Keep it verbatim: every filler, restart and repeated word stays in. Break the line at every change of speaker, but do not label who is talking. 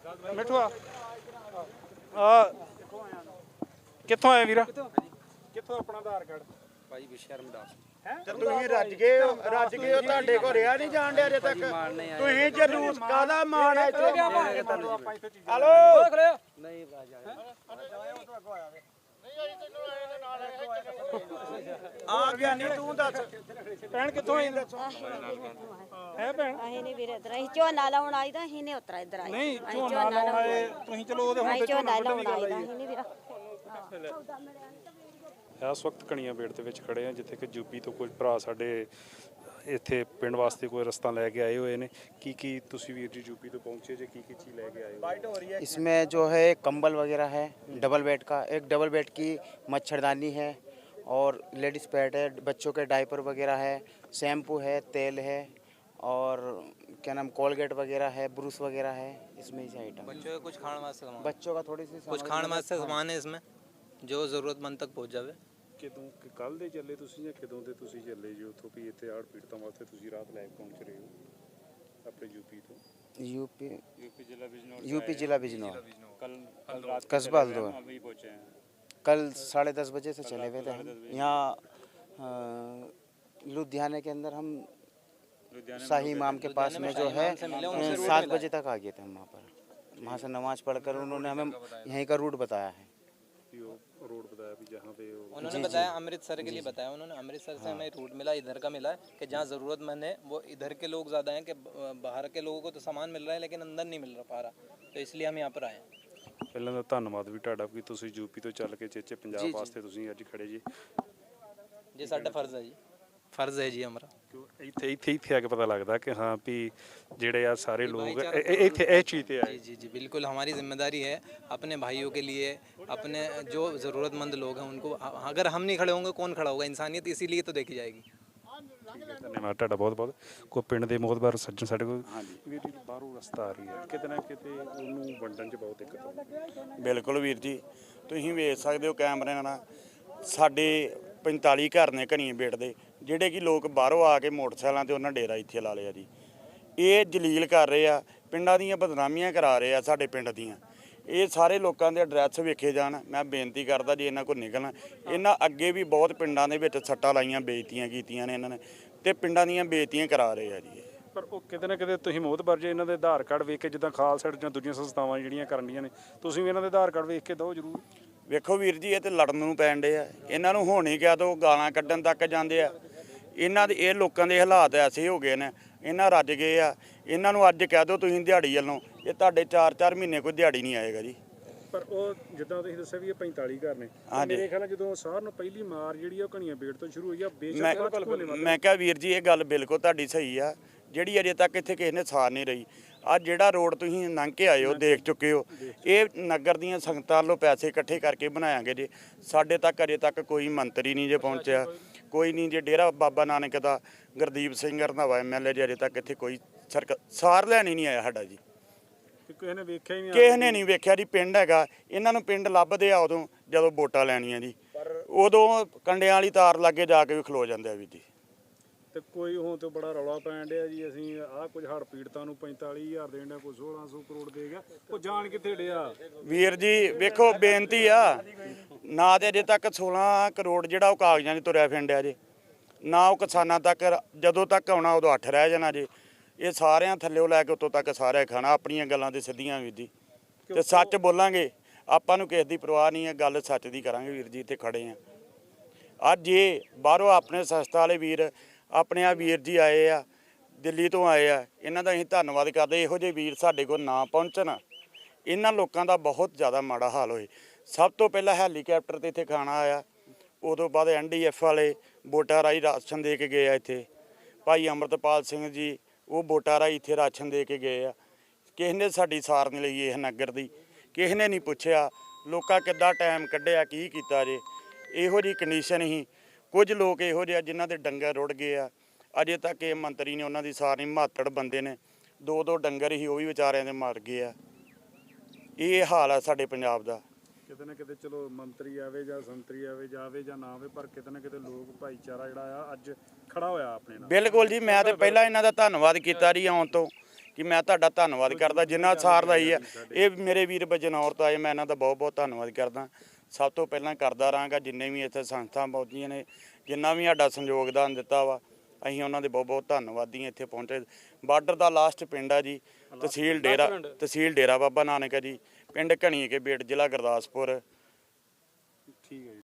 ਮਿੱਠੂ ਆ ਆ ਕਿੱਥੋਂ ਆਏ ਵੀਰਾ? ਕਿੱਥੋਂ ਆਪਣਾ ਆਧਾਰ ਕਾਰਡ?
ਭਾਈ ਵਿਸ਼ਰਮਦਾਸ
ਤੇ ਤੁਸੀਂ ਰੱਜ ਗਏ ਹੋ ਰੱਜ ਗਏ ਹੋ ਤੁਹਾਡੇ ਕੋਲ ਰਿਆ ਨਹੀਂ ਜਾਣ ਡਿਆ ਅਜੇ ਤੱਕ ਤੁਸੀਂ ਜਲੂਸ ਕਾਹਦਾ ਮਾਣ ਹੈ ਇੱਥੇ ਹਲੋ
ਨਹੀਂ ਰਾਜਾ
ਆ ਗਿਆ ਨਹੀਂ ਤੂੰ ਦੱਸ
ਭੈਣ ਕਿੱਥੋਂ ਆਈ ਦੱਸੋ ਹੈ ਭੈਣ?
ਅਸੀਂ ਨਹੀਂ ਵੀਰੇ ਇਧਰ ਅਸੀਂ ਝੋਨਾ ਲਾਉਣ ਆਈ ਤਾਂ ਅਸੀਂ ਨਹੀਂ ਉਤਰਾ ਇਧਰ ਆਏ
ਨਹੀਂ ਝੋਨਾ ਲਾਉਣ ਆਏ ਤੁਸੀਂ, ਚਲੋ ਉਹਦੇ ਹੁਣ
ਅਸੀਂ
ਤੇ
ਝੋਨਾ
ਝੋਨਾ
ਲਾਉਣ
ਵੱਢਣ ਦੀ
ਆਈ
ਗੱਲ
ਤਾਂ
ਆਈ।
ਅਸੀਂ ਨਹੀਂ ਵੀਰਾ
ਇਸ ਵਕਤ ਕਣੀਆਂ ਬੇੜ ਦੇ ਵਿੱਚ ਖੜੇ ਆ ਜਿੱਥੇ ਕਿ ਯੂਪੀ ਤੋਂ ਕੁਝ ਭਰਾ ਸਾਡੇ ਇੱਥੇ ਪਿੰਡ ਵਾਸਤੇ ਕੋਈ ਰਸਤਾ ਲੈ ਕੇ ਆਏ ਹੋਏ ਨੇ। ਕੀ ਕੀ ਤੁਸੀਂ ਵੀਰ ਜੀ ਯੂਪੀ ਤੋਂ ਪਹੁੰਚੇ ਜੇ ਕੀ ਕੀ ਚੀਜ਼ ਲੈ ਕੇ ਆਏ ਹੋ?
इसमें जो है कंबल वगैरह है डबल बेड का, एक डबल बेड की मच्छरदानी है और लेडीज़ पैड है, बच्चों के डायपर वगैरह है, शैम्पू है, तेल है और क्या नाम कोलगेट वगैरह है, ब्रूस वगैरह है। इसमें इसे आइटम
बच्चों का कुछ खाण वास्ते सामान
बच्चों का थोड़ी सी
कुछ खाण वास्ते सामान है इसमें जो ज़रूरतमंद तक पहुंच जावे।
ਕਿਦੋਂ ਕੱਲ ਦੇ ਚੱਲੇ ਤੁਸੀਂ ਜਾਂ ਕਿਦੋਂ ਦੇ ਤੁਸੀਂ ਚੱਲੇ ਜੀ ਉੱਥੋਂ ਵੀ ਇੱਥੇ ਆੜ ਪੀੜਤਾਂ ਵਾਸਤੇ ਤੁਸੀਂ ਰਾਤ ਲੈ ਕੇ ਪਹੁੰਚ ਰਹੇ ਹੋ ਆਪਣੇ ਯੂਪੀ ਤੋਂ?
यूपी
यूपी जिला बिजनौर
यूपी जिला बिजनौर
कल कल रात
कस्बा हल्द्वार।
अभी पहुंचे हैं।
कल साढ़े दस बजे से चले हुए थे हम यहाँ अ, लुधियाने के अंदर हम शाही इमाम के पास में जो है सात बजे तक आ गए थे हम वहाँ पर। वहाँ से नमाज पढ़कर उन्होंने हमें यहीं का रूट बताया है।
रोड बताया भी जहाँ पे वो
उन्होंने बताया अमृतसर के लिए बताया उन्होंने। अमृतसर से हमें रूट मिला, इधर का मिला है कि जहाँ ज़रूरतमंद है वो इधर के लोग ज़्यादा हैं कि बाहर के लोगों को तो सामान मिल रहा है लेकिन अंदर नहीं मिल रहा पा रहा, तो इसलिए हम यहाँ पर आए हैं।
ਪਹਿਲਾਂ ਤਾਂ ਧੰਨਵਾਦ ਵੀ ਤੁਹਾਡਾ ਕਿ ਤੁਸੀਂ ਯੂਪੀ ਤੋਂ ਚੱਲ ਕੇ ਚੇਚੇ ਪੰਜਾਬ ਵਾਸਤੇ ਤੁਸੀਂ ਅੱਜ ਖੜੇ ਜੀ।
जी साਡਾ फर्ज है जी, फर्ज है जी हमारा।
ਕਿਉਂ ਇੱਥੇ ਇੱਥੇ ਇੱਥੇ ਆ ਕੇ ਪਤਾ ਲੱਗਦਾ ਕਿ ਹਾਂ ਵੀ ਜਿਹੜੇ ਆ ਸਾਰੇ ਲੋਕ ਇਹ- ਇਹ- ਇੱਥੇ ਇਹ ਚੀਜ਼ ਤੇ ਆਏ।
जी जी जी बिल्कुल हमारी जिम्मेदारी है अपने भाइयों के लिए, अपने जो ज़रूरतमंद लोग हैं उनको, अगर हम नहीं खड़े होंगे कौन खड़ा होगा? इंसानियत इसीलिए तो देखी जाएगी।
ਧੰਨਵਾਦ ਤੁਹਾਡਾ ਬਹੁਤ ਬਹੁਤ। ਕੋਈ ਪਿੰਡ ਦੇ ਮੋਹਤਬਾਰ ਸੱਜਣ ਸਾਡੇ ਕੋਲ ਵੀਰ ਜੀ ਬਾਹਰੋਂ ਰਸਤਾ ਆ ਰਹੀ ਹੈ, ਕਿਤੇ ਨਾ ਕਿਤੇ ਉਹਨੂੰ ਵੰਡਣ 'ਚ ਬਹੁਤ ਦਿੱਕਤ ਆਉਂਦੀ ਹੈ।
ਬਿਲਕੁਲ ਵੀਰ ਜੀ ਤੁਸੀਂ ਵੇਖ ਸਕਦੇ ਹੋ ਕੈਮਰੇ ਨਾਲ ਸਾਡੇ ਪੰਤਾਲੀ ਘਰ ਨੇ ਘਣੀਏ ਬੇਟ ਦੇ ਜਿਹੜੇ ਕਿ ਲੋਕ ਬਾਹਰੋਂ ਆ ਕੇ ਮੋਟਰਸਾਈਕਲਾਂ ਤੇ ਉਹਨਾਂ ਡੇਰਾ ਇੱਥੇ ਲਾ ਲਿਆ ਜੀ। ਇਹ ਜਲੀਲ ਕਰ ਰਹੇ ਆ, ਪਿੰਡਾਂ ਦੀਆਂ ਬਦਨਾਮੀਆਂ ਕਰਾ ਰਹੇ ਆ ਸਾਡੇ ਪਿੰਡ ਦੀਆਂ। ਇਹ ਸਾਰੇ ਲੋਕਾਂ ਦੇ ਐਡਰੈਸ ਵੇਖੇ ਜਾਣ। ਮੈਂ ਬੇਨਤੀ ਕਰਦਾ ਜੇ ਇਹਨਾਂ ਕੋਲ ਨਿਕਲਣਾ, ਇਹਨਾਂ ਅੱਗੇ ਵੀ ਬਹੁਤ ਪਿੰਡਾਂ ਦੇ ਵਿੱਚ ਸੱਟਾਂ ਲਾਈਆਂ, ਬੇਇੱਜ਼ਤੀਆਂ ਕੀਤੀਆਂ ਨੇ ਇਹਨਾਂ ਨੇ ਤੇ ਪਿੰਡਾਂ ਦੀਆਂ ਬੇਇੱਜ਼ਤੀਆਂ ਕਰਾ ਰਹੇ ਆ ਜੀ।
ਪਰ ਉਹ ਕਿਤੇ ਨਾ ਕਿਤੇ ਤੁਸੀਂ ਮੋਹਤਬਾਰ ਜੇ ਇਹਨਾਂ ਦੇ ਆਧਾਰ ਕਾਰਡ ਵੇਖ ਕੇ, ਜਿੱਦਾਂ ਖਾਲਸਾ ਜਾਂ ਦੂਜੀਆਂ ਸੰਸਥਾਵਾਂ ਜਿਹੜੀਆਂ ਕਰਨ ਦੀਆਂ ਨੇ, ਤੁਸੀਂ ਵੀ ਇਹਨਾਂ ਦੇ ਆਧਾਰ ਕਾਰਡ ਵੇਖ ਕੇ ਦਿਓ ਜ਼ਰੂਰ।
ਵੇਖੋ ਵੀਰ ਜੀ ਇਹ ਤੇ ਲੜਨ ਨੂੰ ਪੈਣ ਡੇ ਆ, ਇਹਨਾਂ ਨੂੰ ਹੁਣ ਹੀ ਕਹਿ ਦੋ ਗਾਲਾਂ ਕੱਢਣ ਤੱਕ ਜਾਂਦੇ ਆ। ਇਹਨਾਂ ਦੇ ਇਹ ਲੋਕਾਂ ਦੇ ਹਾਲਾਤ ਐਸੇ ਹੋ ਗਏ ਨੇ, ਇਹਨਾਂ ਰੱਜ ਗਏ ਆ। ਇਹਨਾਂ ਨੂੰ ਅੱਜ ਕਹਿ ਦੋ ਤੁਸੀਂ ਦਿਹਾੜੀ ਵੱਲੋਂ, ਇਹ ਤੁਹਾਡੇ ਚਾਰ ਚਾਰ ਮਹੀਨੇ ਕੋਈ ਦਿਹਾੜੀ ਨਹੀਂ ਆਏਗਾ ਜੀ।
ਪਰ ਉਹ ਜਿੱਦਾਂ ਤੁਸੀਂ ਦੱਸਿਆ ਵੀ ਇਹ ਪੰਤਾਲੀ ਘਰ ਨੇ,
ਹਾਂਜੀ।
ਮੇਰੇ ਖਿਆਲ ਨਾਲ ਜਦੋਂ ਸਾਰ ਨੂੰ ਪਹਿਲੀ ਮਾਰ ਜਿਹੜੀ ਆ ਉਹ ਘਣੀਆਂ ਬੇੜ ਤੋਂ ਸ਼ੁਰੂ ਹੋਈ ਆ।
ਮੈਂ
ਬੇਸ਼ੱਕ
ਮੈਂ ਕਿਹਾ ਵੀਰ ਜੀ ਇਹ ਗੱਲ ਬਿਲਕੁਲ ਤੁਹਾਡੀ ਸਹੀ ਆ, ਜਿਹੜੀ ਅਜੇ ਤੱਕ ਇੱਥੇ ਕਿਸੇ ਨੇ ਸਾਰ ਨਹੀਂ ਰਹੀ। ਅੱਜ ਜਿਹੜਾ ਰੋਡ ਤੁਸੀਂ ਲੰਘ ਕੇ ਆਏ ਹੋ ਦੇਖ ਚੁੱਕੇ ਹੋ, ਇਹ ਨਗਰ ਦੀਆਂ ਸੰਗਤਾਂ ਵੱਲੋਂ ਪੈਸੇ ਇਕੱਠੇ ਕਰਕੇ ਬਣਾਇਆਗੇ ਜੀ। ਸਾਡੇ ਤੱਕ ਅਜੇ ਤੱਕ ਕੋਈ ਮੰਤਰੀ ਨਹੀਂ ਜੇ ਪਹੁੰਚਿਆ, ਕੋਈ ਨਹੀਂ ਜੇ ਡੇਰਾ ਬਾਬਾ ਨਾਨਕ ਦਾ Gurdeep Singh Randhawa M L A ji ਅਜੇ ਤੱਕ ਇੱਥੇ ਕੋਈ ਸਰਕ ਸਾਰ ਲੈਣ ਹੀ ਨਹੀਂ ਆਇਆ ਸਾਡਾ ਜੀ।
ਕਿਸੇ ਨੇ ਵੇਖਿਆ ਹੀ ਨਹੀਂ,
ਕਿਸੇ ਨੇ ਨਹੀਂ ਵੇਖਿਆ ਜੀ। ਪਿੰਡ ਹੈਗਾ, ਇਹਨਾਂ ਨੂੰ ਪਿੰਡ ਲੱਭਦੇ ਆ ਉਦੋਂ ਜਦੋਂ ਵੋਟਾਂ ਲੈਣੀਆਂ ਜੀ, ਉਦੋਂ ਕੰਡਿਆਂ ਵਾਲੀ ਤਾਰ ਲਾਗੇ ਜਾ ਕੇ ਵੀ ਖਲੋ ਜਾਂਦੇ ਆ ਵੀ ਜੀ।
ਤੇ ਕੋਈ ਹੁਣ ਤੇ ਬੜਾ ਰੌਲਾ ਪੈਣ ਡਿਆ ਜੀ ਅਸੀਂ ਆਹ ਕੁਝ ਹੜ੍ਹ ਪੀੜਤਾਂ ਨੂੰ ਪੰਤਾਲੀ ਹਜ਼ਾਰ ਦੇਣ ਡਿਆ, ਕੋਈ ਸੋਲਾਂ ਸੌ ਕਰੋੜ ਦੇ ਗਿਆ। ਉਹ ਜਾਣ ਕਿੱਥੇ ਡਿਆ
ਵੀਰ ਜੀ? ਵੇਖੋ ਬੇਨਤੀ ਆ, ਨਾ ਤੇ ਅਜੇ ਤੱਕ ਸੋਲਾਂ ਕਰੋੜ ਜਿਹੜਾ ਉਹ ਕਾਗਜ਼ਾਂ 'ਚ ਤੁਰਿਆ ਫਿਰਦਿਆ ਜੇ, ਨਾ ਉਹ ਕਿਸਾਨਾਂ ਤੱਕ ਜਦੋਂ ਤੱਕ ਆਉਣਾ ਉਦੋਂ ਅੱਠ ਰਹਿ ਜਾਣਾ ਜੇ। ਇਹ ਸਾਰਿਆਂ ਥੱਲਿਓ ਲੈ ਕੇ ਉੱਤੋਂ ਤੱਕ ਸਾਰਿਆਂ ਖਾਣਾ। ਆਪਣੀਆਂ ਗੱਲਾਂ ਤੇ ਸਿੱਧੀਆਂ ਵੀਰ ਜੀ, ਤੇ ਸੱਚ ਬੋਲਾਂਗੇ। ਆਪਾਂ ਨੂੰ ਕਿਸੇ ਦੀ ਪਰਵਾਹ ਨਹੀਂ ਹੈ, ਗੱਲ ਸੱਚ ਦੀ ਕਰਾਂਗੇ ਵੀਰ ਜੀ। ਇੱਥੇ ਖੜੇ ਆ ਅੱਜ, ਇਹ ਬਾਹਰੋਂ ਆਪਣੇ ਸੰਸਥਾ ਵਾਲੇ ਵੀਰ, ਆਪਣੇ ਆ ਵੀਰ ਜੀ ਆਏ ਆ, ਦਿੱਲੀ ਤੋਂ ਆਏ ਆ, ਇਹਨਾਂ ਦਾ ਅਸੀਂ ਧੰਨਵਾਦ ਕਰਦੇ। ਇਹੋ ਜਿਹੇ ਵੀਰ ਸਾਡੇ ਕੋਲ ਨਾ ਪਹੁੰਚਣ, ਇਹਨਾਂ ਲੋਕਾਂ ਦਾ ਬਹੁਤ ਜ਼ਿਆਦਾ ਮਾੜਾ ਹਾਲ ਹੋਏ। ਸਭ ਤੋਂ ਪਹਿਲਾਂ ਹੈਲੀਕਾਪਟਰ ਤੇ ਇੱਥੇ ਖਾਣਾ ਆਇਆ, ਉਦੋਂ ਬਾਅਦ ਐਨ ਡੀ ਐਫ ਵਾਲੇ ਵੋਟਾਂ ਰਾਹੀਂ ਰਾਸ਼ਨ ਦੇ ਕੇ ਗਏ ਆ। ਇੱਥੇ ਭਾਈ ਅੰਮ੍ਰਿਤਪਾਲ ਸਿੰਘ ਜੀ ਉਹ ਵੋਟਾਂ ਰਾਹੀਂ ਇੱਥੇ ਰਾਸ਼ਨ ਦੇ ਕੇ ਗਏ ਆ। ਕਿਸੇ ਨੇ ਸਾਡੀ ਸਾਰ ਨਹੀਂ ਲਈ ਇਹ ਨਗਰ ਦੀ, ਕਿਸੇ ਨੇ ਨਹੀਂ ਪੁੱਛਿਆ ਲੋਕਾਂ ਕਿੱਦਾਂ ਟਾਈਮ ਕੱਢਿਆ, ਕੀ ਕੀਤਾ ਜੇ। ਇਹੋ ਜਿਹੀ ਕੰਡੀਸ਼ਨ ਹੀ ਕੁਝ ਲੋਕ ਇਹੋ ਜਿਹੇ ਜਿਨ੍ਹਾਂ ਦੇ ਡੰਗਰ ਰੁੜ ਗਏ ਆ। ਅਜੇ ਤੱਕ ਇਹ ਮੰਤਰੀ ਨੇ ਉਹਨਾਂ ਦੀ ਸਾਰ ਨਹੀਂ। ਮਾਤੜ ਬੰਦੇ ਨੇ, ਦੋ ਦੋ ਡੰਗਰ ਹੀ ਉਹ ਵੀ ਵਿਚਾਰਿਆਂ ਦੇ ਮਰ ਗਏ ਆ। ਇਹ ਹਾਲ ਆ ਸਾਡੇ ਪੰਜਾਬ ਦਾ।
ਕਿਤੇ ਨਾ ਕਿਤੇ ਚਲੋ ਮੰਤਰੀ ਆਵੇ ਜਾਂ ਸੰਤਰੀ ਆਵੇ, ਜਾਵੇ ਜਾਂ ਨਾ ਆਵੇ, ਪਰ ਕਿਤੇ ਨਾ ਕਿਤੇ ਲੋਕ ਭਾਈਚਾਰਾ ਜਿਹੜਾ ਆ ਅੱਜ ਖੜਾ ਹੋਇਆ ਆਪਣੇ ਨਾਲ।
ਬਿਲਕੁਲ ਜੀ, ਮੈਂ ਤੇ ਪਹਿਲਾਂ ਇਹਨਾਂ ਦਾ ਧੰਨਵਾਦ ਕੀਤਾ ਜੀ ਆਉਣ ਤੋਂ, ਕਿ ਮੈਂ ਤੁਹਾਡਾ ਧੰਨਵਾਦ ਕਰਦਾ ਜਿੰਨਾ ਸਾਰ ਲਾਈ ਆ। ਇਹ ਮੇਰੇ ਵੀਰ ਬਜਨੌਰ ਆਏ, ਮੈਂ ਇਹਨਾਂ ਦਾ ਬਹੁਤ ਬਹੁਤ ਧੰਨਵਾਦ ਕਰਦਾ। ਸਭ ਤੋਂ ਪਹਿਲਾਂ ਕਰਦਾ ਰਹਾਂਗਾ ਜਿੰਨੇ ਵੀ ਇੱਥੇ ਸੰਸਥਾ ਪਹੁੰਚੀਆਂ ਨੇ, ਜਿੰਨਾ ਵੀ ਸਾਡਾ ਸੰਯੋਗਦਾਨ ਦਿੱਤਾ ਵਾ, ਅਸੀਂ ਉਹਨਾਂ ਦੇ ਬਹੁਤ ਬਹੁਤ ਧੰਨਵਾਦੀ ਹਾਂ। ਇੱਥੇ ਪਹੁੰਚੇ ਬਾਰਡਰ ਦਾ ਲਾਸਟ ਪਿੰਡ ਆ ਜੀ, ਤਹਿਸੀਲ ਡੇਰਾ ਤਹਿਸੀਲ ਡੇਰਾ ਬਾਬਾ ਨਾਨਕ ਆ ਜੀ, ਪਿੰਡ ਘਣੀਏ ਕੇ ਬੇਟ, ਜ਼ਿਲ੍ਹਾ ਗੁਰਦਾਸਪੁਰ।
ਠੀਕ ਹੈ ਜੀ।